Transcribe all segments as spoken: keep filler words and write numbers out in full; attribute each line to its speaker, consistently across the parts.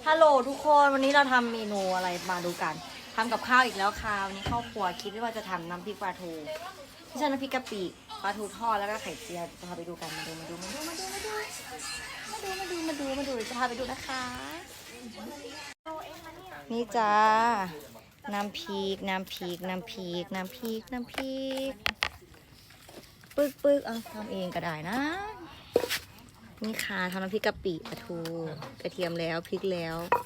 Speaker 1: ฮัลโหลทุกคนวันนี้เราทำเมนูอะไรมาดูกันทำกับข้าวอีกแล้วค่ะวันนี้ครอบครัวคิดว่าจะทำน้ำพริกปลาทูไม่ใช่น้ำพริกกะปิปลาทูทอดแล้วก็ไข่เจียวจะพาไปดูกันมาดูมาดูมาดูมาดูมาดูมาดูมาดูมาดูมาดูจะพาไปดูนะคะนี่จ้าน้ำพริกน้ำพริกน้ำพริกน้ำพริกน้ำพริกปึ๊กปึ๊กเอาทำเองก็ได้นะนี่ค่ะทำน้ำพริกกะปิปลาทูกระเทียมแล้วพริกแล้ว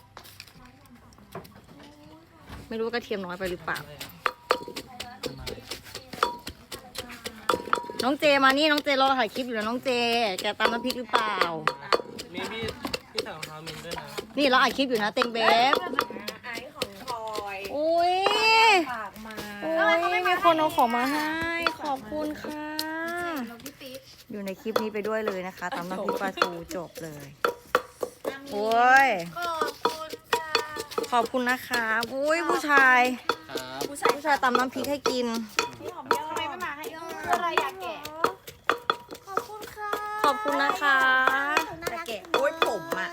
Speaker 1: ไม่รู้ว่ากระเทียมน้อยไปหรือเปล่าน้องเจมานี่น้องเจรอถ่ายคลิปอยู่นะน้องเจแกตำน้ำพริกหรือเปล่า
Speaker 2: มีพี่พี่สาวของเรามินด้วยนะ
Speaker 1: นี่เราอัดคลิปอยู่นะเต็งเบฟ
Speaker 3: ไอของพลอย
Speaker 1: อุ้ย
Speaker 3: ฝากมา
Speaker 1: อุ้ยมีคนเอาของมาให้ขอบคุณค่ะอยู่ในคลิปนี้ไปด้วยเลยนะคะตำน้ำพริกปลาทูจบเลยโอ้ย
Speaker 3: ขอบคุณค่ะ
Speaker 1: ขอบคุณนะคะอุ้ยผู้ชายผู้ชายผู้ชายตำน้ำพริกให้กิน
Speaker 3: พี่หอมเยอะทำไมไม่มาให้เยอะอะไรอยากแกะขอบคุณค่ะ
Speaker 1: ขอบคุณนะคะจะแกะโอ้ยผมอ่ะ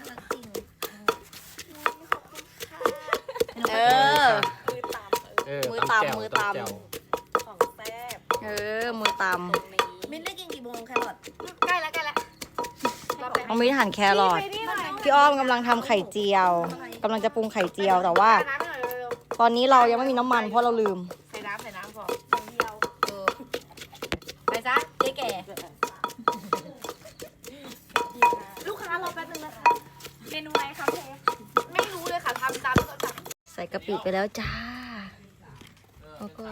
Speaker 1: เออมือตำมือตำ
Speaker 3: ของแซ่บ
Speaker 1: เออมือตำ
Speaker 3: มินได้กินกี่โมงแครอทใกล้แล้วใกล้แล้ว
Speaker 1: เอาไม่หั่นแครอทพี่อ้อมกำลังทำไข่เจียวกำลังจะปรุงไข่เจียวแต่ว่าตอนนี้เรายังไม่มีน้ำมันเพราะเราลืม
Speaker 3: ใส่น้ำใส่น้ำพออย่างเดียวเออไปจ้ะเจ๊แก่ลูกค้ารอแป๊บนึงนะคะเมนูอะไรคะเจ๊ไม่รู้เลยค่ะทำตามที่เขาสั่ง
Speaker 1: ใส่กะปิไปแล้วจ้าแล้วก็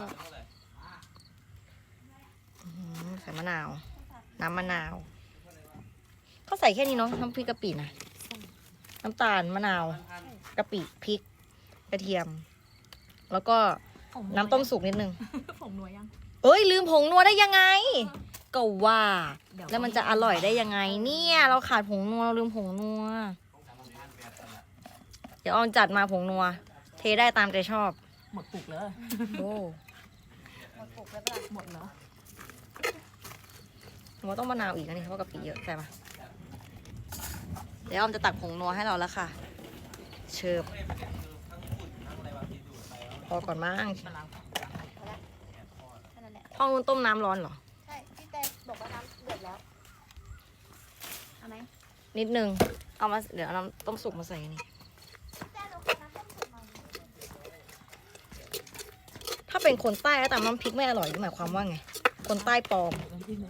Speaker 1: ใส่มะนาวน้ำมะนาวก็ใส่แค่นี้เนาะน้ำพริกกะปินะน้ำตาลมะนาวกะปิพริกกระเทียมแล้วก็น้ำต้มสุกนิดนึง
Speaker 3: ผงนัวยัง
Speaker 1: เอ้ยลืมผงนัวได้ยังไงก็ว่าแล้วมันจะอร่อยได้ยังไงเนี่ยเราขาดผงนัวเราลืมผงนัวเดี๋ยวออนจัดมาผงนัวเทได้ตามใจชอบ
Speaker 3: หมดปุกเลย
Speaker 1: โอ้
Speaker 3: หมดปุกแล้วป่ะหมดเหรอ
Speaker 1: ผมว่าต้องมะนาวอีกนะนี่เพราะกะปิเยอะใช่ไหมเดี๋ยวออมจะตักผงนัวให้เราแล้วค่ะเชิญพอก่อนมั้งห้องนู้นต้มน้ำร้อนเหรอ
Speaker 3: ใช่พี่แต่บอกว่าน้ำเดือดแล้วเอาไหม
Speaker 1: นิดนึงเอามาเดี๋ยวเอาน้ำต้มสุกมาใส่นี่ถ้าเป็นคนใต้แล้วแต่น้ำพริกไม่อร่อยหมายความว่าไงคนใต้ปลอม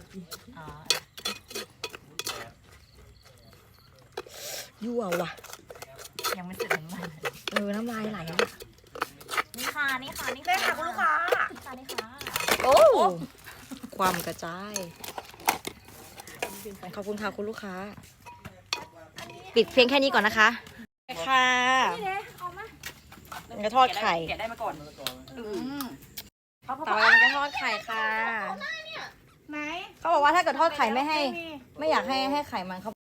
Speaker 1: ยั่วว่ะ
Speaker 3: ยังไม่เสร็จน้ำลาย
Speaker 1: เออน้ำลายไหลอ่ะ
Speaker 3: นี่ค่ะนี่ค่ะนี่ค่ะคุณลูกค้านี่ค่ะนี่ค่ะ
Speaker 1: โอ้ความกระจายขอบคุณค่ะคุณลูกค้าปิดเพียงแค่นี้ก่อนนะคะค่ะ
Speaker 3: นี่เลยเอามา
Speaker 1: มันจะทอดไข่
Speaker 3: แกะได้มาก่อน
Speaker 1: ต่อไปมันจะทอดไข่ค่ะ
Speaker 3: ไหน
Speaker 1: เขาบอกว่าถ้าเกิดทอดไข่ไม่ให้ไม่อยากให้ให้ไข่มันเขา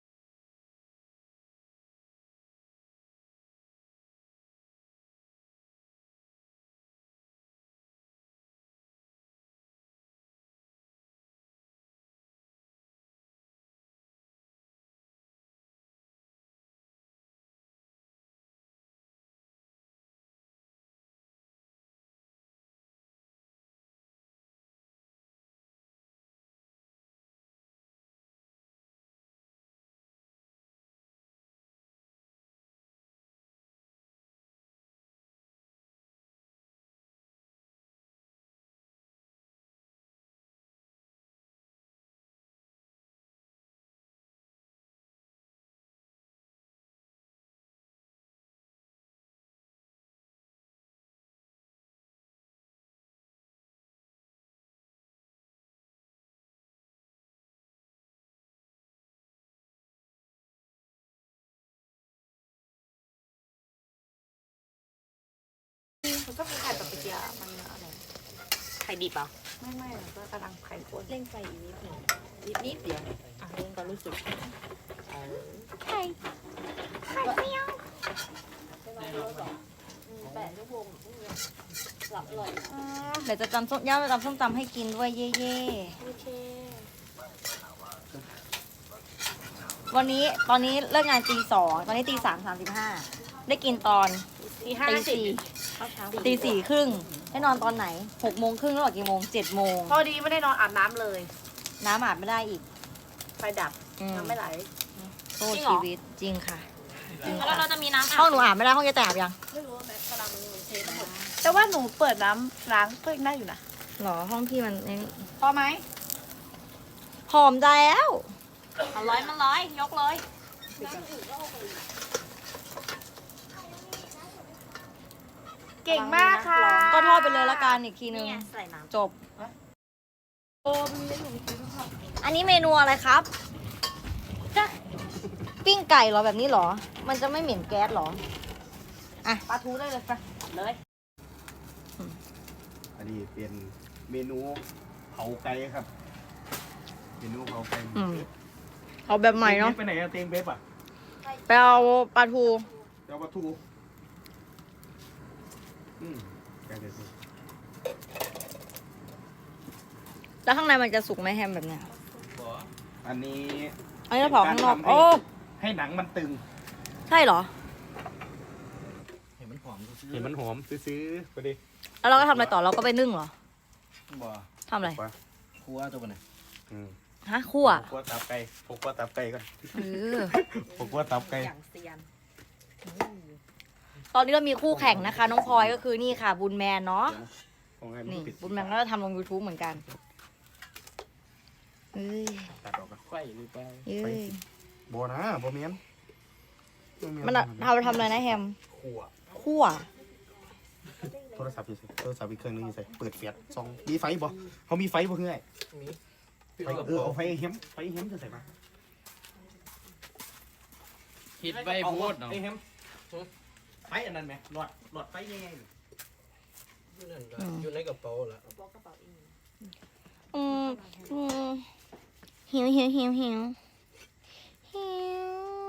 Speaker 3: มันก็มีไข่แบบเปียกมันอะไรไข่ดิบอ่ะไม่ไม่ก็กำลังไข่ข้นเร่งไฟอีกนิดหนึ่งนิดนิดเดียวอ่ะเร่งก็รู้สึกไข่ไข่เมียวแปดชั่วโมงหลับเลย
Speaker 1: เดี๋ยวจะจำส้มย่าจะจำส้มตำให้กินด้วยเย่ๆโอเควันนี้ตอนนี้เลิกงานตีสองตอนนี้ตีสามสามสิบห้าได้กินตอน
Speaker 3: ตีห้า
Speaker 1: ตี
Speaker 3: สิบ
Speaker 1: สี่
Speaker 3: เข้าเช้า
Speaker 1: ตีสี่ครึ่งได้นอนตอนไหนหกโมงครึ่งแล้วหรอกี่โมงเจ็ดโมง
Speaker 3: พอดีไม่ได้นอนอาบน้ำเลย
Speaker 1: น้ำอาบไม่ได้อีก
Speaker 3: ไฟดับ
Speaker 1: อืม
Speaker 3: น้ำไม่ไหล
Speaker 1: โทษ
Speaker 3: จริงเหรอ
Speaker 1: ชีวิตจริงค่ะจริง
Speaker 3: แล้ว
Speaker 1: ค่ะ
Speaker 3: เราจะมีน้ำ
Speaker 1: ห้องหนูอาบไม่ได้ห้องจะแตกยัง
Speaker 3: ไม่รู้ว่าแม็กกำลังเททั้งหมดแต่ว่าหนูเปิดน้ำล้างก็ยังได้อยู่นะ
Speaker 1: หรอห้องพี่มันนี่
Speaker 3: พอไหม
Speaker 1: หอมใจแล้ว
Speaker 3: มันร้อยมันร้อยยกเลย เก่งมากค่ะ
Speaker 1: ก็ทอดไปเลยละกันอีกทีนึง
Speaker 3: นี่ไงใส่น้ำ
Speaker 1: จบอันนี้เมนูอะไรครับปิ้งไก่เหรอแบบนี้เหรอ มันจะไม่เหม็นแก๊สเหรอ
Speaker 3: ปลาทูได้เลยค่ะเลย
Speaker 4: อันนี้เป็นเมนูเผาไก่ครับ เมนูเผาไก่
Speaker 1: อืมเอาแบบใหม่เนาะ
Speaker 4: ไปไหนอะเตียงเบฟอะ
Speaker 1: ไปเอาปลาทู
Speaker 4: เจ้าปลาทูอืมไก่เด็ด
Speaker 1: แล้วข้างในมันจะสุกไหมแฮมแบบเนี้ย
Speaker 4: อันนี้
Speaker 1: อันนี้เราเผาข้างนอก
Speaker 4: ให้
Speaker 1: โอ้
Speaker 4: ให้หนังมันตึง
Speaker 1: ใช่เหรอ
Speaker 4: เห็นมันหอมเห็นมันหอมซื้อๆไปดิ
Speaker 1: แล้วเราก็ทำอะไรต่อเราก็ไปนึ่งเหรอ
Speaker 4: บ่
Speaker 1: ทำอะไร
Speaker 4: ครัวตัวไหนอืม
Speaker 1: ฮะคั่ว
Speaker 4: ครัวตับไก่ผมครัวตับไก่ก่อน
Speaker 1: เออ
Speaker 4: ผมครัวตับไก่
Speaker 3: อย่างเซียน
Speaker 1: ตอนนี้เรามีคู่แข่งนะคะ น้องพลอยก็คือนี่ค่ะ บุญแมนเนาะ
Speaker 4: ของให้มัน
Speaker 1: นี่
Speaker 4: ปิด
Speaker 1: บุญแมนก็จะทำลง YouTube เหมือนกันเอ้ย
Speaker 4: ตัดออกกัน
Speaker 2: ไฟหรือเปล่า
Speaker 1: เอ้ย
Speaker 4: บ่นะบ่เมียน
Speaker 1: มันอะทำทำอะไรนะแฮม
Speaker 4: ขั่ว
Speaker 1: คั่ว
Speaker 4: โทรศัพท์อยู่ใส่โทรศัพท์อีกเครื่องนึงอยู่ใส่เปิดเฟียดซองมีไฟบ่เขามีไฟบ่เพื่อน
Speaker 2: มี
Speaker 4: ไฟเออเอาไฟเฮมไฟเฮมจะใส่มา
Speaker 2: คิดไว้พูดเนาะ
Speaker 4: ไฟเฮมไฟอันนั้นไหมหลอดหลอดไฟยังไง
Speaker 2: อยู่ในกระเป๋าละ
Speaker 1: อืมอืมหิวหิวหิวหิวหิว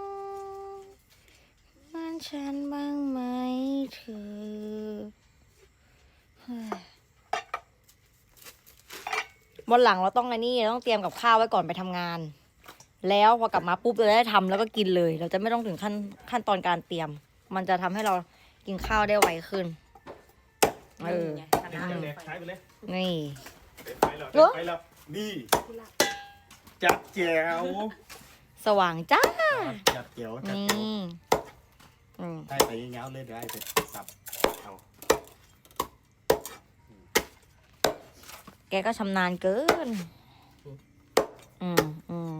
Speaker 1: บ้านฉันบ้างไหมเธอเฮ้ยวันหลังเราต้องไอ้นี่ต้องเตรียมกับข้าวไว้ก่อนไปทำงาน แล้วพอกลับมาปุ๊บเราจะได้ทำแล้วก็กินเลย เราจะไม่ต้องถึงขั้นขั้นตอนการเตรียม มันจะทำให้เรากินข้าวได้ไวขึ้นเออ
Speaker 4: เด็กเด็กใช้ไปเลย
Speaker 1: นี่
Speaker 4: ไปแล้วเด็กไปแล้วนี่จัดแจ๋ว
Speaker 1: สว่างจ้า
Speaker 4: จัดแจ๋วจัด
Speaker 1: นี่
Speaker 4: แจ๋ว
Speaker 1: อืม
Speaker 4: ได้ไปเงาเลยได้ไปสับเอา
Speaker 1: แกก็ชำนาญเกิน อืมอืม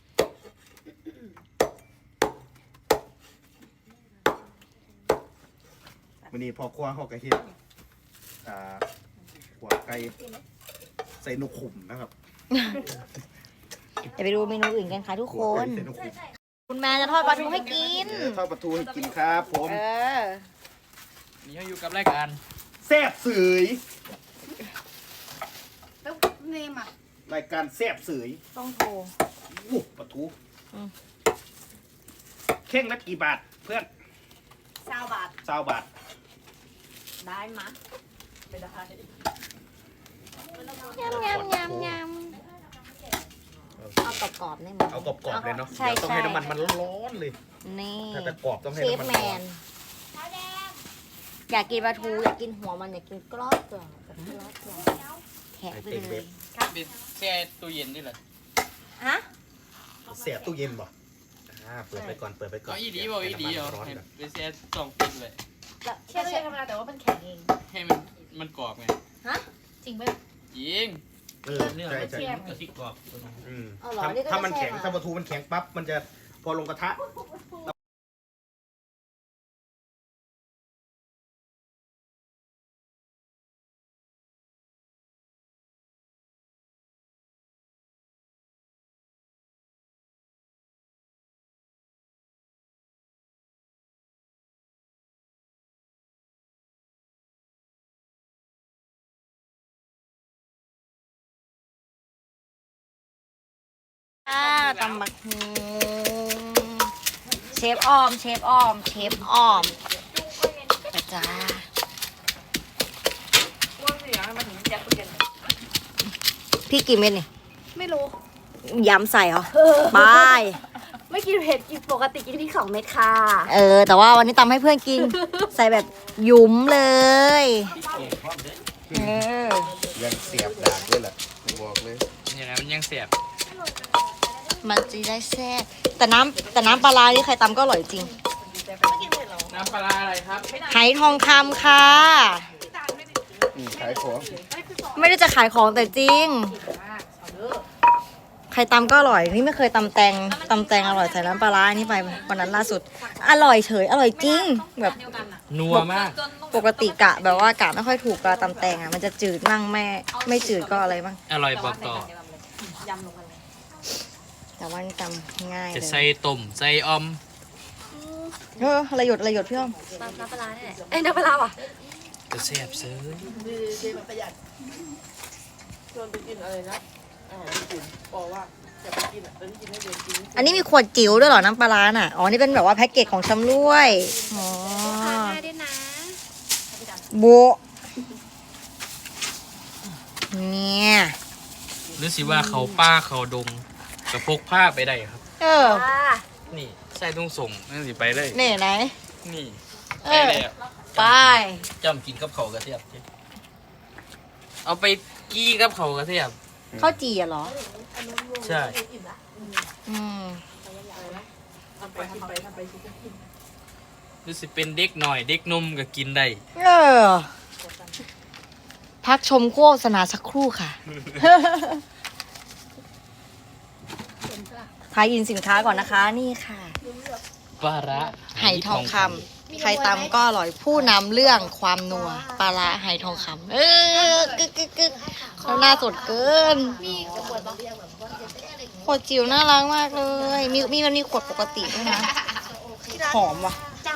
Speaker 4: วันนี้พอครัวเขากระเทียมอ่าหัวไก่ใส่นกขุมนะครับ
Speaker 1: เดี๋ยวไปดูเมนูอื่นกันค่ะทุกค
Speaker 4: หัวไก่
Speaker 1: น
Speaker 4: ใส่นกขุม
Speaker 1: คุณแม่จะทอดปลาทูให้กิน
Speaker 4: เออทอดปลาทูให้กินครับผม
Speaker 1: เออ
Speaker 2: นี่เขาอยู่กับรายการ
Speaker 4: แซ่บเสย
Speaker 3: แล้วเนมอ่ะ
Speaker 4: รายการแซ่บเสย
Speaker 1: ต้องโทร
Speaker 4: อู้ปลาทู
Speaker 1: อืม
Speaker 4: เข่งละกี่บาทเพื่อน
Speaker 3: เก้าบาท
Speaker 4: เก้าบาท
Speaker 3: ได้มั้ยไม่ได้
Speaker 1: ยำยำยำยำเอากรอบๆได้ไหม
Speaker 4: เอากรอบๆเลยเนาะ
Speaker 1: ใช่
Speaker 4: เดี๋ยวต้อง
Speaker 1: ใช่
Speaker 4: ให้น้ำมันมันร้อนๆเลย
Speaker 1: นี่
Speaker 4: ถ้าจะกรอบต้องให้
Speaker 1: เชฟ
Speaker 4: น้ำมัน
Speaker 1: แม
Speaker 4: ร้อน
Speaker 1: นอยากกินปลาทูอยากกินหัวมันอยากกินกรอบกรอบแบบกรอบกรอบแหะไปเลย
Speaker 2: เป็นแช่ตู้เย็นนี่แหละ
Speaker 1: ฮะ
Speaker 4: เสียบตู้เย็นบ่อ่าเปิดไปก่อนเปิดไปก่อน
Speaker 2: ก็อีดีบอกอีดีเหรอ
Speaker 4: ร้อน
Speaker 2: ให้
Speaker 4: ก่อน
Speaker 2: เป็นแช่สองปิดเลย
Speaker 3: แช่ตู้เย็นธรรมดาแต่ว่ามันแข็งเอง
Speaker 2: ให้มันมันกรอบไง
Speaker 1: ฮะ
Speaker 3: จริงไหม
Speaker 2: ยิง
Speaker 4: เออใช่ใช่
Speaker 2: กระติกกรอบตัวนั้น
Speaker 4: อืม
Speaker 1: เอาเหรอ
Speaker 4: ถ้า
Speaker 1: นี่ก็
Speaker 4: ถ้ามัน
Speaker 1: จะแช่
Speaker 4: แข็ง
Speaker 1: มา
Speaker 4: ถ้าปลาทูมันแข็งปั๊บมันจะพอลงกระทะ
Speaker 1: อ่าตำบักฮูเชฟออม เชฟออม เชฟออมไปจ้า
Speaker 3: ว่าเสียงมันถึงยัดตู้เย็น
Speaker 1: พี่กี่เม็ดนี่
Speaker 3: ไม่รู้
Speaker 1: ย้ำใส่เหรอ บาย
Speaker 3: ไม่กินเผ็ดกินปกติกินพริกสองเม็ดค่ะ
Speaker 1: เออ แต่ว่าวันนี้ตำให้เพื่อนกิน ใส่แบบหยุมเลยเออ
Speaker 4: ยังเสียบดากด้วยแหละบอกเลย
Speaker 2: ยังไงมันยังเสียบ
Speaker 1: มันจะได้แซ่บแต่น้ำแต่น้ำปลาร้านี่ใครตำก็อร่อยจริง
Speaker 2: น้ำปลาร้าอะไรครับ
Speaker 1: ไหทองคำค่ะ
Speaker 4: อืมขายของ
Speaker 1: ไม่ได้จะขายของแต่จริง ใครตำก็อร่อย นี่ไม่เคยตำแตงตำแตงอร่อยใส่น้ำปลาร้าอันนี่ไปวันนั้นล่าสุด อร่อยเฉย อร่อยจริง แบบ
Speaker 2: นัวมาก
Speaker 1: ปกติกะแบบว่ากะไม่ค่อยถูกปลาตำแตงอ่ะ มันจะจืดมั่งแม่ไม่จืดก็อะไรบ้าง
Speaker 2: อร่อยบอกต่อ
Speaker 1: แต่ว่านี่ตำง่ายเล
Speaker 2: จะ
Speaker 1: ย
Speaker 2: ใส่ต้มใส่ออม
Speaker 1: เอออะไรหยดอะไรหยดพี่อ้อม
Speaker 3: น้ำปลาเนี่ยเอ้ยน้ำปลาว่ะ
Speaker 2: จะแซ่บซื้อ
Speaker 1: อันนี้มีขวดจิ๋วด้วยเหรอน้ำปลาร้าน่ะ อ๋อ นี่เป็นแบบว่าแพ็กเกจของชำร่วย อ๋อ
Speaker 3: ทานง่ายด้วยนะ
Speaker 1: โบะเนี่ย
Speaker 2: หรือสิว่าเขาป้าเขาดงกับพกผ้าไปได้ครับ
Speaker 1: เออ
Speaker 3: อ่า
Speaker 2: นี่ใส่ตุ้งส่งนั่นสิไปเลย
Speaker 1: นี่ไหน
Speaker 2: นี่
Speaker 1: เอ
Speaker 2: ไป
Speaker 1: อ
Speaker 2: เลย
Speaker 1: ไป
Speaker 2: จำกินกับเขาวกระเทียมเอาไปกี้กับเขาวกระเทียม
Speaker 1: ข้าวจี่อะเหรอ
Speaker 2: ใช่
Speaker 1: อืม
Speaker 2: หรือสิเป็นเด็กหน่อย เด็กนมก็กินได้
Speaker 1: เออ พักชมโฆษณาสักครู่ค่ะ ทายอินสินค้าก่อนนะคะ นี่ค่ะ
Speaker 2: ปลาร้า
Speaker 1: ไหทองคำใครตำก็อร่อยผู้นำเรื่องความนัวปลาร้าไหทองคำเออกึกกึกกึกเขาหน้าสดเกินขวดจิ๋วน่ารักมากเลย มีมีมันมีขวดปกติด้วยนะ หอมว่ะ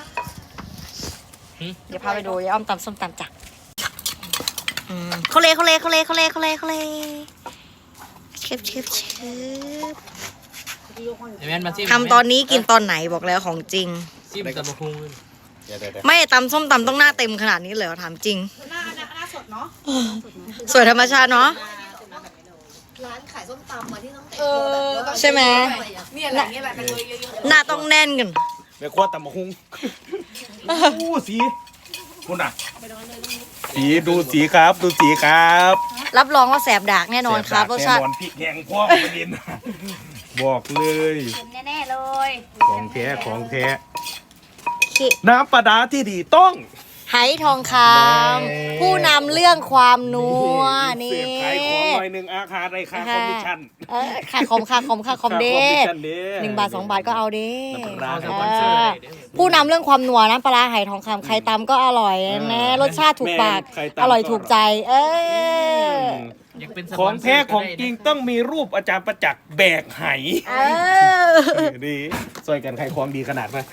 Speaker 1: เดี๋ยวพาไปดูยายอ้อมตำส้มตำจ้ะอืมเขาเลยเขาเลยเขาเลยเขาเลยเขาเลยเขาเลยเชฟเชฟเชฟ
Speaker 2: ไอ้แม่นมาซิม
Speaker 1: ทำตอนนี้กินตอนไหนบอกแล้วของจริง
Speaker 2: ซิมตะบะพุงเลย
Speaker 4: เดี๋ยวเดี๋ยวเดี๋ยว
Speaker 1: ไม่ตำส้มตำต้องหน้าเต็มขนาดนี้เลยเหรอถามจริง หน้าหน้าสดเนาะสวยธรรมชาติเนาะ
Speaker 3: ร้านขายส้มตำมาที่ต้อง
Speaker 1: เออใช่ไหม
Speaker 3: เนี่ยแหละเนี่ยแหละมันเลยเยอะ
Speaker 1: หน้าต้องแน่นกัน
Speaker 4: แม่ครัวตำมะฮุงอู้สีคุณอ่ะสีดูสีครับ ดูสีครับ
Speaker 1: รับรองว่าแสบดากแน่นอนครับรสชาติ
Speaker 4: แน่นอนพริกแห้งพ่อประเด็นบอกเลย
Speaker 3: แน่ๆเลย
Speaker 4: ของแท้ของแท้
Speaker 1: ขิ
Speaker 4: น้ำปลาดาที่ดีต้อง
Speaker 1: ไหทองคำผู้นำเรื่องความนัวนี่
Speaker 4: เสียบขายของหน่อยหนึ่งอาคารไรค่าคอมมิชชั่น
Speaker 1: เออค่าคอมค่าคอมค่าคอมเด้
Speaker 4: ค่าคอมมิชชั่นเด้
Speaker 1: หนึ่งบาทสองบาทก็เอาเด้
Speaker 4: น้ำปลาร้า
Speaker 2: เอาสปอนเซอร์ได้เด้อ
Speaker 1: ผู้นำเรื่องความนัวน้ำปลาร้าไหทองคำใครตำก็อร่อยนะรสชาติถูกปาก
Speaker 4: แม่ใครตำ
Speaker 1: อร่อยถูกใจ เออ
Speaker 2: อยากเป็นส
Speaker 4: ข
Speaker 2: ป
Speaker 4: อ
Speaker 2: อง นเซอ
Speaker 4: แท้
Speaker 2: ร์
Speaker 4: ของ
Speaker 2: ก็ได้
Speaker 4: จริง
Speaker 2: นะ
Speaker 4: ต้องมีรูปอาจารย์ประจักษ์แบกไห
Speaker 1: เออ
Speaker 4: ดีช่วยกันใครความดีขนาดไหน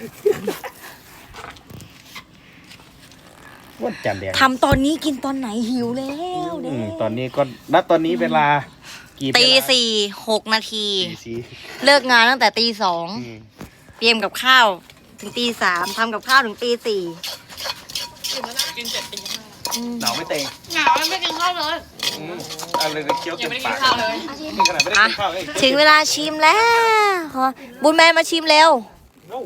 Speaker 4: วันจันทร์แดง
Speaker 1: ทำตอนนี้กินตอนไหนหิวแล้ว
Speaker 4: อื
Speaker 1: เด้
Speaker 4: มตอนนี้ก็ณตอนนี้เวลากี่
Speaker 1: ตี
Speaker 4: เวลา
Speaker 1: สี่หกนาที
Speaker 4: ตีสี่
Speaker 1: เลิกงานตั้งแต่ตีสอง
Speaker 4: อืม
Speaker 1: เตรียมกับข้าวถึงตีสามทำกับข้าวถึงตีสี่
Speaker 4: หนาวไม่เต็ง
Speaker 3: เหงาไม่กินข้าวเลย
Speaker 4: อืมอะไรเคี้ยวเต็มปากนี่ขนาดไม่ได้
Speaker 1: อ่ะ
Speaker 4: กินข้าวเลย
Speaker 1: ถึงเวลาชิมแล้วขอบุญแมนมาชิมเร็ว
Speaker 4: เอ้า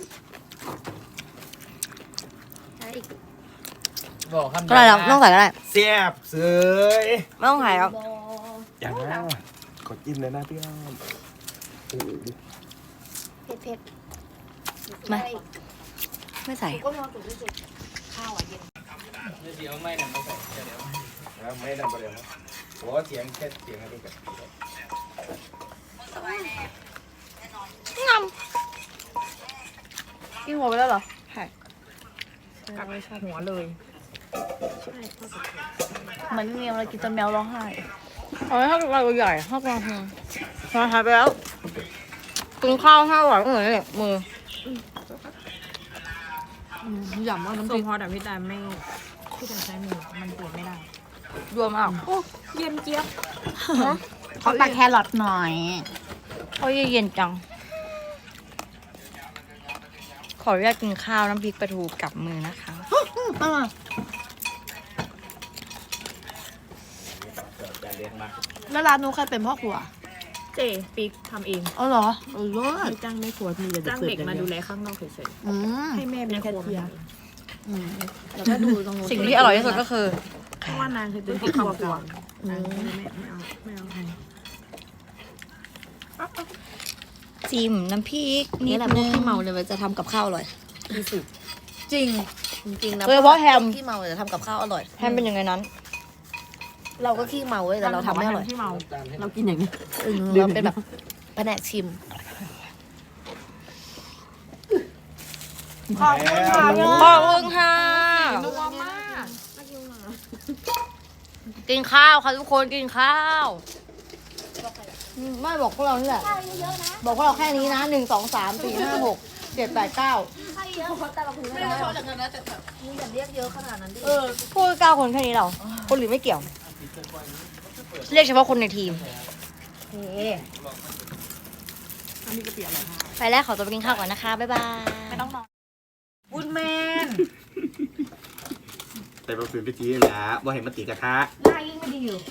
Speaker 2: บอกคำ
Speaker 1: ก็ได้แล้วไม่ต้องใส่ก็ได้
Speaker 4: แซ่บเสย
Speaker 1: ไม่ต้องใส่แล้ว
Speaker 4: อย่างนั้นกดจิ้มเลยนะพี่อ้อมโอ้โห
Speaker 3: เผ็ดเผ็ด
Speaker 1: ไม่ไม่ใส่
Speaker 3: ก็มีความสุขที่สุด
Speaker 2: เดี๋ยวไม่เนี่ยมาใส่เดี๋ยว
Speaker 4: แล้วไม่ได้ประเดี๋ยวนะโอ้เสียงแค่เสียงอะไรกัน
Speaker 1: งำกินหัวไปแล้วเหรอใช่กัดไม่ชอบหัวเลยเหมือนเมียเรากินจนแมวร้องไห้เอาไว้ถ้าเราใหญ่ถ้าเราหายหายไปแล้วกินข้าวห้าหวานเหมือนเนี่ยมือ
Speaker 5: หย่ำว่าน้ำส้มพอแต่พี่แต่ไม่พี่แต่ใช้มือมันเปลี่ยนไม่ได้
Speaker 1: รวมอ่ะ
Speaker 5: เย็นเจี๊ยบเขาตักแครอทหน่อย
Speaker 1: เขาเย็นจัง ขออนุญาตกินข้าวน้ำพริกปลาทูกับมือนะคะ
Speaker 5: แล้วร้านนู้นใครเป็นพ่อครัวเจปิ๊กทำเอง
Speaker 1: อ๋อเหรอเออเลิศ
Speaker 5: ไม่จ้างไม่ครัวมีแต่จ้างเด็กมาดูแลข้างนอกเฉย
Speaker 1: อืม
Speaker 5: ๆให้แม่เป็นครัวมาทำเองอืมแล้วก็ดูตรงนู้น
Speaker 1: สิ่งที่อร่อยที่สุดก็คือ
Speaker 5: เพราะว่านางคือเป็นที่ครัวก่อนนางก็เลยไม่ไม่เอาไม่เอาให้
Speaker 1: จิ้มน้ำพริกนิ
Speaker 3: นี่
Speaker 1: ด
Speaker 3: แหละพ
Speaker 1: นึ
Speaker 3: วก
Speaker 1: ง
Speaker 3: ที่เมาเลยมันจะทำกับข้าวอร่อย
Speaker 1: จริง
Speaker 3: จริงๆนะ
Speaker 1: โดยเฉพาะแฮม
Speaker 3: ที่เมาจะทำกับข้าวอร่อย
Speaker 1: แฮมเป็นยังไงนั้น
Speaker 3: เราก็ขี้เมาเว้ยแต่เราทำไม่อร่อย
Speaker 5: ที่เมาเรากินอย่างนี้
Speaker 3: เออเราเป็นแบบแผนกชิม
Speaker 1: ขอบคุณค่ะขอบคุณค่ะ
Speaker 5: นัวมาก
Speaker 1: กินข้าวค่ะทุกคนกินข้าวไม่บอกพวกเรานี่แหละบอกพวกเราแค่นี้นะหนึ่งสองสามสี่ห้าหกเจ็ดแปดเก้า
Speaker 3: ไม่ได้ชอบอย่างนั้นนะแต่แบบมึงอย่าเรียกเยอะขนาดนั้นดิ
Speaker 1: เออพูดเก้าคนแค่นี้เราคนอื่นไม่เกี่ยว เรียกเฉพาะคนในทีมโอเค
Speaker 5: อันนี้กระเปียกเหรอคะ
Speaker 1: ไปแล้วขอตัวไปกินข้าวก่อนนะคะบ๊ายบาย
Speaker 5: ไม่ต้องนอน
Speaker 1: บุญแมน
Speaker 4: แต่เราฝืนไปทีแหละว่าเห็นมันตีกระทะ
Speaker 1: หน้ายิ่งไม่ดีอยู่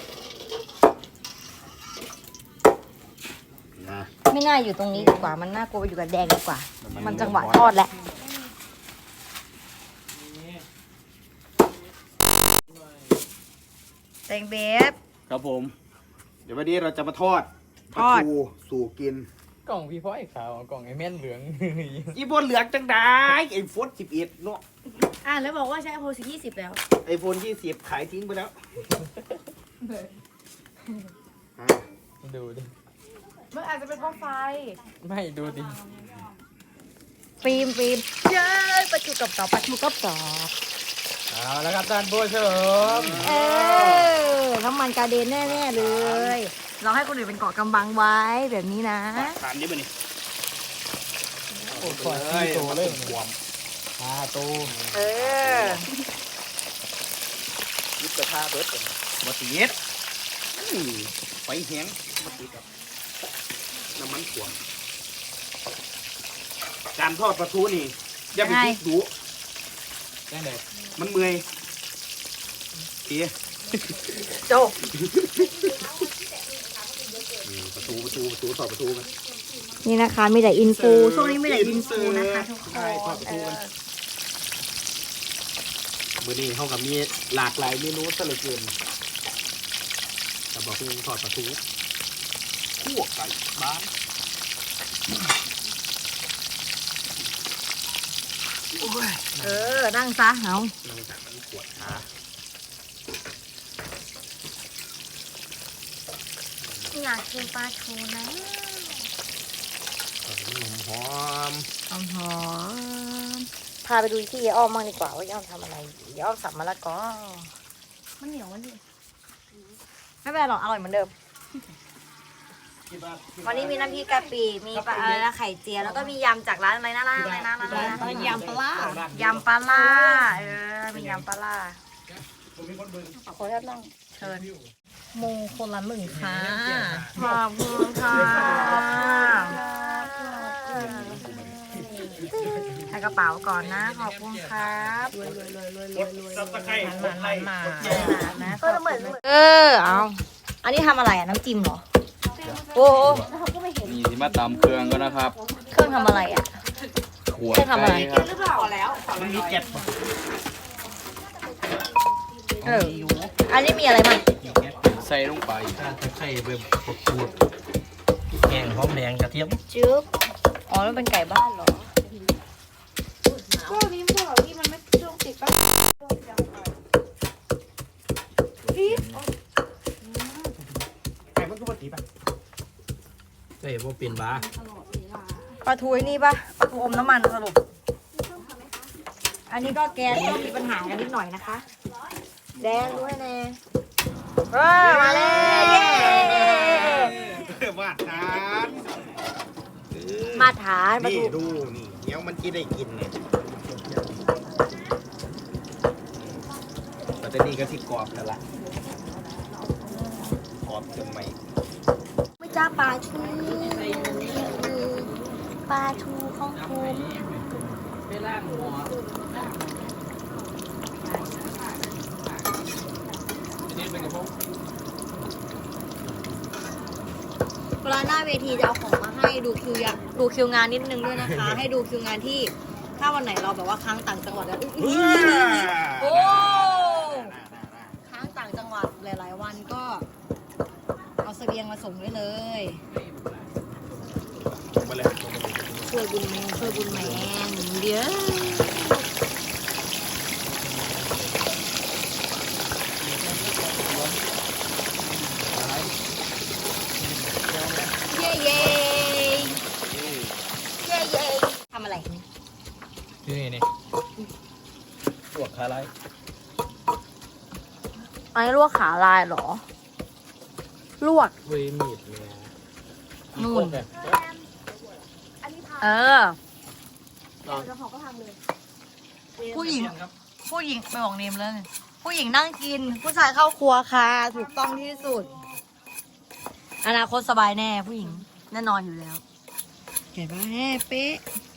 Speaker 4: นะ
Speaker 1: ไม่น่าอยู่ตรงนี้ดีกว่า มันน่ากลัวไปอยู่กับแดงดีกว่า มันจังหวะทอดแหละแตงเบฟ
Speaker 4: ครับผม เดี๋ยววันนี้เราจะมาทอด
Speaker 1: ทอด
Speaker 4: ปลาทูสู่กิน
Speaker 2: กล่องพี่พ่อไอ้ขาวกล่องไอ้แม่นเหลือง
Speaker 4: อีบนเหลืองจังได้ไอโฟนสิบเอ็ดเนาะ
Speaker 3: อ่ะแล้วบอกว่าใช้โพสิยี่สิบแล้ว
Speaker 4: ไอโฟนยี่สิบขายทิ้งไปแล้วอ่ะ
Speaker 2: ดูดิ
Speaker 5: มันอาจจะเป็นเพราะไฟ
Speaker 2: ไม่ดูดิ
Speaker 1: ฟิล์มฟิล์มเย้ยปลาชูกับกรอบปลาชูกับกรอบ
Speaker 2: เอาแล้วครับท่านผู้ชม
Speaker 1: เออน้ำมันกระเด็นแน่ๆเลย เราให้คนอื่นเป็นเกาะกำบังไว้แบบนี้นะ
Speaker 4: ทานได้ไหมนี่
Speaker 2: โอ้ขอที่โตเลย
Speaker 4: บวม
Speaker 2: ปลาโต
Speaker 1: เออ
Speaker 4: ยุบกระทะเบิร์ดเป็นมาตีดอื้อไฟแห้งมาตีกับน้ำมันขวดการทอดปลาทูนี่อย่าไปคิดดู
Speaker 2: ได้เลย
Speaker 4: มันเมื่อยเอ๊ะ
Speaker 1: จบ
Speaker 4: นี่ประตูประตูประตูทอดประตูกัน
Speaker 1: นี่นะคะมีแต่อินฟูช่วงนี้มีแต่อินฟูนะคะทุกค
Speaker 4: ใช่ทอด
Speaker 1: น
Speaker 4: ประ
Speaker 1: เอ
Speaker 4: ตู
Speaker 1: อ
Speaker 4: กันมื้อนี้เขากับมีหลากหลายเมนูซะเหลือเกินแต่บอกเพิ่งทอดประตูคั่วไก่บ้าน
Speaker 1: เออ นั่งซะเหา
Speaker 4: เราจะมันขวดขา
Speaker 1: อยากกินปลาทูนะ
Speaker 4: หอมหอม
Speaker 1: หอมหอมพาไปดูที่ยายอ้อมบ้างดีกว่าว่ายายอ้อมทำอะไรยายอ้อมสับมะละกอมันเหนียวมันดิไม่เป็นไรหรอกอร่อยเหมือนเดิม วันนี้มีน้ำพริกกะปิมีปลาอะไรนะไข่เจียวแล้วก็มียำจากร้านอะไรนะร้านอะไรนะร้านอะไรนะ
Speaker 5: ยำปลาร้าย
Speaker 1: ำปลาล่าเออมียำปลาล่าขอแค่นั่งเชิญโมคนละหนึ่งค่ะขอบคุณค่ะใส่กระเป๋าก่อนนะขอบคุณครับนะเออเอาอันนี้ทำอะไรอ่ะน้ำจิ้มเหรอโอ้
Speaker 2: นี่ที่มาตำเครื่องก็นะครับ
Speaker 1: เครื่องทำอะไรอ่ะ
Speaker 2: ขวด
Speaker 1: เครื่องทำอะไร
Speaker 2: ครับ
Speaker 4: มันมีเจ็ดป่ะ
Speaker 1: เอออันนี้มีอะไรบ้าง
Speaker 2: ใส่ลงไป
Speaker 4: ไข่แบบขูดแกงหอมแดงกระเทียม
Speaker 1: จึ๊บอ๋อแล้วเป็นไก่บ้านเหรอ
Speaker 3: ก็นี้พวกเราที่มันไม่ช่วงติดปะ
Speaker 4: ไก่มันก็ปกติป่ะ
Speaker 2: เฮ้ยว่าเปลี่ยนบ้า
Speaker 1: ปลาทูไอ้นี่ปะปลาทูอมน้ำมันสรุปอันนี้ก็แก๊สก็มีปัญหากันนิดหน่อยนะคะแดงด้วยแน่เออมาเลยเย้
Speaker 4: มาทาน
Speaker 1: มาฐานปลา
Speaker 4: นี่
Speaker 1: ทู
Speaker 4: ดูนี่เดี๋ยวมันจะได้กินเนี่ยแต่นี่ก็ที่กรอบแล้วล่ะกรอบจนไหม
Speaker 1: ไม่จ้าปลาทูปลาทูของคุณ
Speaker 2: ไปล่างหัวนี่เป็นกระเพาะ
Speaker 1: หน้าเวทีจะเอาของมาให้ดูคิวอยากดูคิวงานนิดนึงด้วยนะคะ ให้ดูคิวงานที่ถ้าวันไหนเราแบบว่าค้างต่างจังหวัดแล้วอุ๊ยโอ้ค้างต่างจังหวัดหลาย ๆ วันก็เอาเสบียงมาส่งได้เลย
Speaker 4: มาเลย
Speaker 1: ช่วยบุญแมนช่วยบุญแมนเดี๋ยวเย้เย้เย้เย้ทำอะไร
Speaker 2: อยู่นี่นี่
Speaker 4: ปวดขาไร
Speaker 1: อันนี้ลวกขาลายเหรอ ลวก
Speaker 4: เว้ยมีดเนี่ย
Speaker 1: นู่น
Speaker 4: เนี่ย
Speaker 1: เออ ผู้หญิง ผู้หญิงไปบอกเนมแล้วเนี่ยผู้หญิงนั่งกิน ผู้ชายเข้าครัวค่ะ ถูกต้องที่สุด อนาคตสบายแน่ผู้หญิงแน่นอนอยู่แล้วเห็นปะแน่เป๊ะ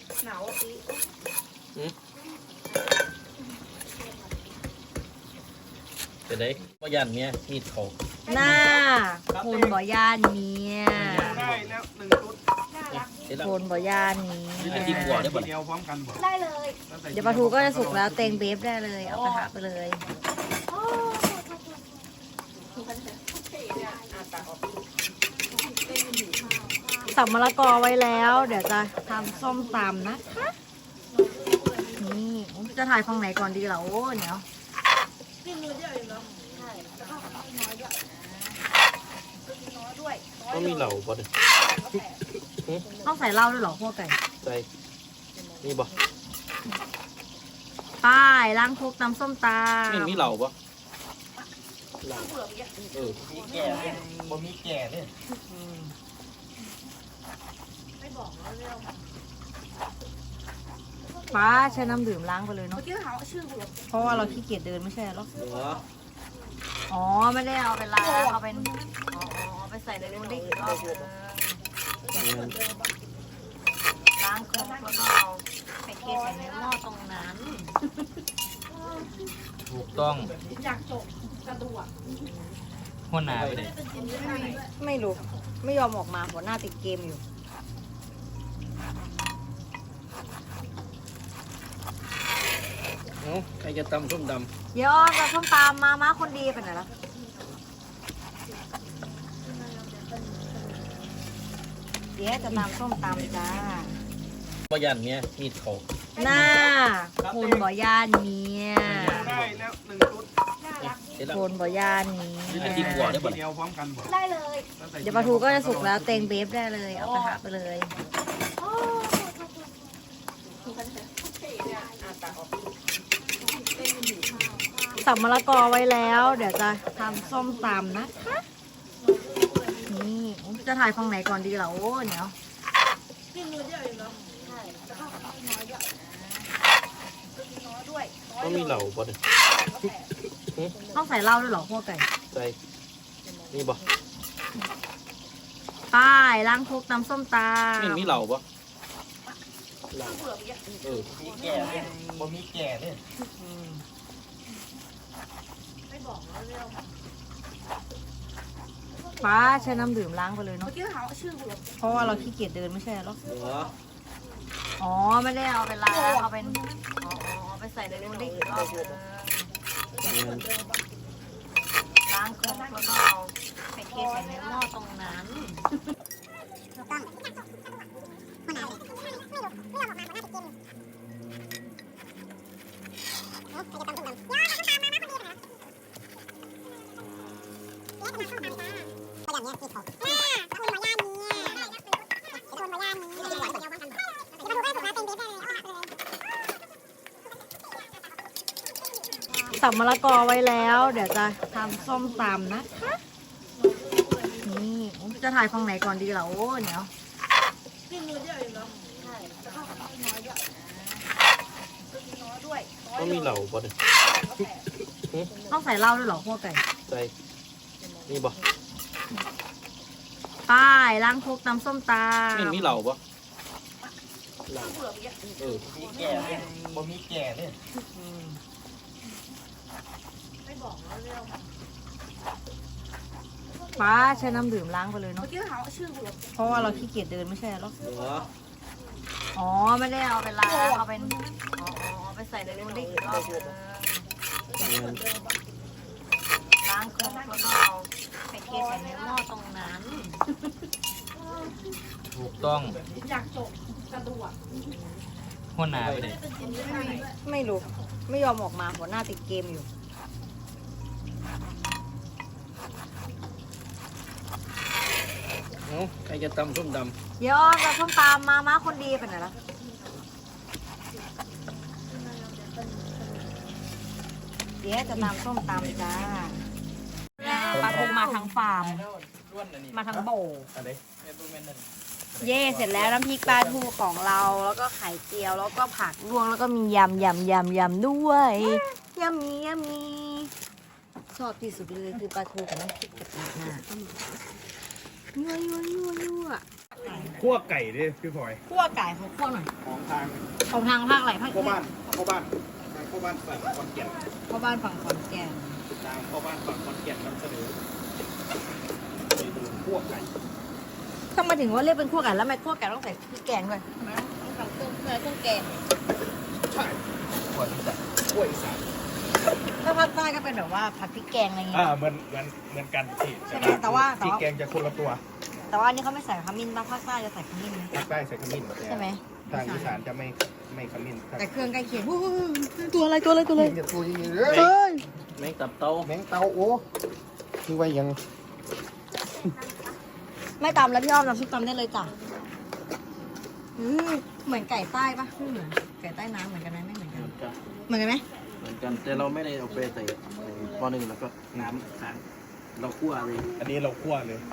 Speaker 4: จะได้ว่ายันเนี่ยมีดเขา
Speaker 1: หน้าคุณบ่ย่านเมีย
Speaker 6: ได้แล้วหนึ่งชุด
Speaker 4: เสร็จแล้ว
Speaker 1: คุณบ่ย่านเมี
Speaker 4: ไอ้
Speaker 1: ย
Speaker 4: ที่หัวได้
Speaker 6: ที
Speaker 4: บ่
Speaker 6: เดียวพร้อมกันหมด
Speaker 1: ได้เลย เดี๋ยวปลาทูก็จะสุกแล้วเตงเบฟได้เลย เอากระทะไปเลยสับมะละกอไว้แล้ว เดี๋ยวจะทำส้มตำนะคะ นี่จะถ่ายฝั่งไหนก่อนดีเหรอโอ้เดี๋ยว
Speaker 4: ต้องมีเหล่าบ่เนี่ย
Speaker 1: ต้องใส่เหล้าด้วยเหรอพวกไก่
Speaker 4: ใส่นี่บ่
Speaker 1: ป้ายล้างคลุกน้ำส้มตำ
Speaker 4: ไม่มีเหล่าบ่เหล่าเออ
Speaker 6: มีแก่เลยบ่มีแก่เลย
Speaker 1: ป้าใช้น้ำดื่มล้างไปเลยเนาะเพราะว่าเราขี้เกียจเดินไม่ใช่หรอ
Speaker 4: เหรอ
Speaker 1: อ๋อไม่ได้เอาไปล้างเอาเป็นอ๋อเอาไปใส่ในนู้นได้อีกรอบนึงล้างครบแล้วก็เอาไปเทใส่ในหม้อตรงนั้น
Speaker 2: ถูกต้องหัวหน้าไปเลย
Speaker 1: ไม่รู้ไม่ยอมออกมาหัวหน้าติดเกมอยู่
Speaker 4: เอ้าใครจะตำส้มด
Speaker 1: เดี๋ยวอ้อนกับส้มตำมาม้าคนดีไปไหนแล้วเดี๋ยวจะตำส้มตำจ้า
Speaker 4: ำว่ายันเนี่ยมีดเขา
Speaker 1: หน้าคุณบ่ย่านเมีย
Speaker 6: ได้แล้วหนึ่งชุด
Speaker 4: เสร็จแล้ว
Speaker 1: คุณบ่ย่านเมี
Speaker 4: ไอ้
Speaker 1: ย
Speaker 4: ที่หัวได้บ่
Speaker 6: ที
Speaker 4: เนี่ย
Speaker 6: เดียวพร้อมกันหมด
Speaker 1: ได้เลย เดี๋ยวปลาทูก็จะสุกแล้วเตงเบฟได้เลย เอากระทะไปเลย สับมะละกอไว้แล้ว เดี๋ยวจะทำส้มตำนะคะ นี่จะถ่ายฝั่งไหนก่อนดีเหรอโอ้เดี๋ยว
Speaker 4: ต้องมีเหล่าบ่เนี่ย
Speaker 1: ต้องใส่เหล้าด้วยเหรอพวกไก่
Speaker 4: ใส่นี่บ่
Speaker 1: ป้ายล้างคลุกน้ำส้มตำ
Speaker 4: ไม่มีเหล่าบ่เหล่าเออ
Speaker 6: มีแก่เลยบ่มีแก่เลย
Speaker 1: ป้าใช้น้ำดื่มล้างไปเลยเนาะเพราะว่าเราขี้เกียจเดินไม่ใช่หรอ
Speaker 4: เหรอ
Speaker 1: อ๋อไม่ได้เอาไปล้างเอาเป็นอ๋อเอาไปใส่ในนู้นได้อีกรอบนึงล้างครบแล้วก็เอาไปเทใส่ในหม้อตรงนั้น สับมะละกอไว้แล้ว เดี๋ยวจะทำส้มตำนะคะ นี่จะถ่ายฝั่งไหนก่อนดีเหรอโอ้เดี๋ยว
Speaker 4: ต้องมีเหล่าบ่เนี่ย
Speaker 1: ต้องใส่เหล้าด้วยเหรอพวกไก่
Speaker 4: ใส่นี่บ่
Speaker 1: ป้ายล้างคลุกน้ำส้มตำ
Speaker 4: ไม่มีเหล่าบ่เหล่าเออ
Speaker 6: มีแก่เลยบ่มีแก่เลย
Speaker 1: ปป้าใช้น้ำดื่มล้างไปเลยเนาะเพราะว่าเราขี้เกียจเดินไม่ใช่หรอ
Speaker 4: หัว
Speaker 1: อ๋อไม่ได้เอาไปล้างเอาเป็นอ๋อเอาไปใส่ในนู้นได้อีกรอบนึงล้างเครื่องแล้วก็เอาไปเทใส่ในหม้อตรงนั้น
Speaker 2: ถูกต้องหัวหน้าไปเลย
Speaker 1: ไม่รู้ไม่ยอมออกมาหัวหน้าติดเกมอยู่
Speaker 4: เอ้าใครจะตำส้มด
Speaker 1: เดี๋ยวเราส้มตามมาม้าคนดีไปไหนล่ะเดี๋ยวจะตามส้มตำจ้าปลาทูมาทั้งฟาร์มมาทั้งโบ
Speaker 4: ำอะไร
Speaker 1: เย่เสร็จแล้วน้ำพริกปลาทูของเราแล้วก็ไข่เจียวแล้วก็ผักลวกแล้วก็มียำยำยำยำด้วยยำมียำมีชอบที่สุดเลยคือปลาทูกับน้ำพริกกะปิน่ะยั่วยั่วยั่วยั่ว
Speaker 6: คั่วไก่ดิพี่พลอย
Speaker 1: คั่วไก่ของคั่วหน่อย
Speaker 6: ของทาง
Speaker 1: ของทางภาคไหนภาค
Speaker 6: พ่อบ้านพ่อบ้านทางพ่อบ้านฝั่งขอนแก่น
Speaker 1: พ่อบ้านฝั่งขอนแก่น
Speaker 6: ทางพ่อบ้านฝั่งขอนแก่นนำเสนอเมนูคั่วไก่
Speaker 1: ทำไมถึงว่าเรียกเป็นคั่วไก่แล้วทำไมคั่วไก่ต้องใส่พริกแกงด้วยทำไมต้องสั่งเครื่องเครื่องแกง
Speaker 6: ใช่
Speaker 2: ขวดจัด
Speaker 6: คั่วอีสาน
Speaker 1: ถ้าภาคใต้ก็เป็นแบบว่าผัดพริกแกงอะไรอย่างเงี้
Speaker 6: อ่าย เหมือนเหมือนเหมือนกันที่
Speaker 1: ใช่ไหมแต่ว่าแต่
Speaker 6: ที่
Speaker 1: ว่า
Speaker 6: แกงจะคนละตัว
Speaker 1: แต่ว่าอันนี้เขาไม่ใส่ขมิ้นป่ะภาคใต้จะใส่ขมิ้นไหม
Speaker 6: ภาคใต้ใส่ขมิ้น
Speaker 1: ใช่ไหม
Speaker 6: ทางอีสานจะไม่ไม่ขมิ้น
Speaker 1: แต่เครื่องใกล้เคียงอู้หูตัวอะไรตัวอะไรตัวอะไร
Speaker 6: จะตัวยังไงเลย
Speaker 1: เฮ้ย
Speaker 4: แมงตับเต้า
Speaker 6: แมงเตาโอ้คือว่ายัง
Speaker 1: ไม่ตำแล้วพี่อ้อมน้ำซุปตำได้เลยจ้ะอืมเหมือนไก่ใต้ปะไม่เหมือนไก่ใต้น้ำเหมือนกันไหมไม่เหมือนกัน เหมือนกันไหม
Speaker 4: เหมือนกันแต่เราไม่ได้เอาไปใส่ปอหนึ่งแล้วก็น้ำค้างเราคั่วเลย
Speaker 6: อันนี้เราคั่วเลย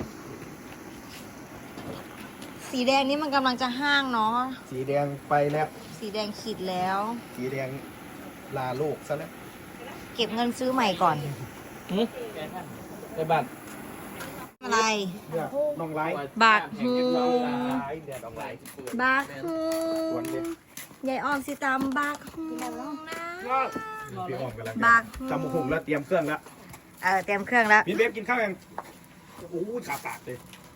Speaker 1: สีแดงนี่มันกำลังจะห้างเนาะ
Speaker 6: สีแดงไปแล้ว
Speaker 1: สีแดงขีดแล้ว
Speaker 6: สีแดงลาโลกซะแล้ว
Speaker 1: เก็บเงินซื้อใหม่ก่อน
Speaker 4: ไปบ้าน
Speaker 1: อะไร
Speaker 6: เนี่ยน้องไร้
Speaker 1: บาทฮู
Speaker 6: น้องไร้เดี๋ยวน้องไร้
Speaker 1: บาทฮู
Speaker 6: สวนเลย
Speaker 1: ยายออมสิตำบาทฮูนะ
Speaker 6: พี่อ้อมกำลัง
Speaker 1: บาทฮู
Speaker 6: จำหุงแล้วเตรียมเครื่องแล้ว
Speaker 1: เออเตรียมเครื่องแล้ว
Speaker 6: พี่เบฟกินข้าวยังโอ้ยขาปากเลย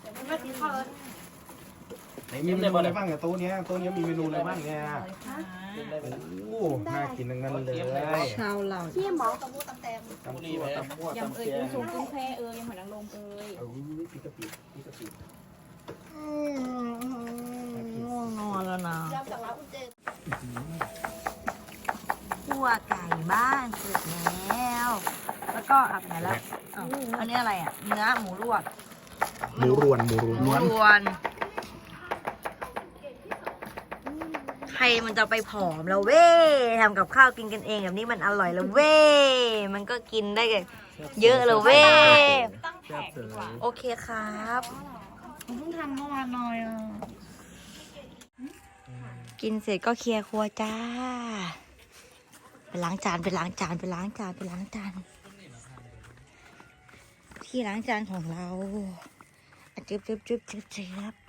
Speaker 6: ไหนมีเมนูอะไรบ้างอะโต๊ะเนี้ยโต๊ะเนี้ยมีเมนูอะไรบ้างเนี่ยโอ้น่ากินทั้งนั้นเลย
Speaker 1: ชาวเหล่า
Speaker 3: ที่หมอกับมูตำแตง
Speaker 6: ตำซั่วตำมั่วย
Speaker 3: ำ
Speaker 6: ตำ
Speaker 3: เอ่ย
Speaker 6: แก
Speaker 3: กุ้
Speaker 6: ง
Speaker 3: งสูงกุ้งแพเอ่ยยำหอยนางรมเอ่ย
Speaker 6: เอาพี่กะปิพี่กะปิ
Speaker 1: ง่วงนอนแล้วนะ
Speaker 3: ยำจากร้านอุ่นเจน
Speaker 1: คั่วไก่บ้านเสร็จแล้ว แล้วก็อับไหนแล้วอ้าวอันนี้อะไรอ่ะ เนื้อหมูลวก
Speaker 6: หมูรวนหมูรวน
Speaker 1: หมูรวนใครมันจะไปผอมแล้วเว้ยทำกับข้าวกินกันเองแบบนี้มันอร่อยแล้วเว้ยมันก็กินได้เยอะเลยเว้ยโอเคครับเพิ่งทำเมื่อวานหน่อยอ่ะกินเสร็จก็เคลียร์ครัวจ้าไปล้างจานไปล้างจานไปล้างจานไปล้างจานที่ล้างจานของเราอ่ะจึ๊บจึ๊บจึ๊บจึ๊บจึ๊บ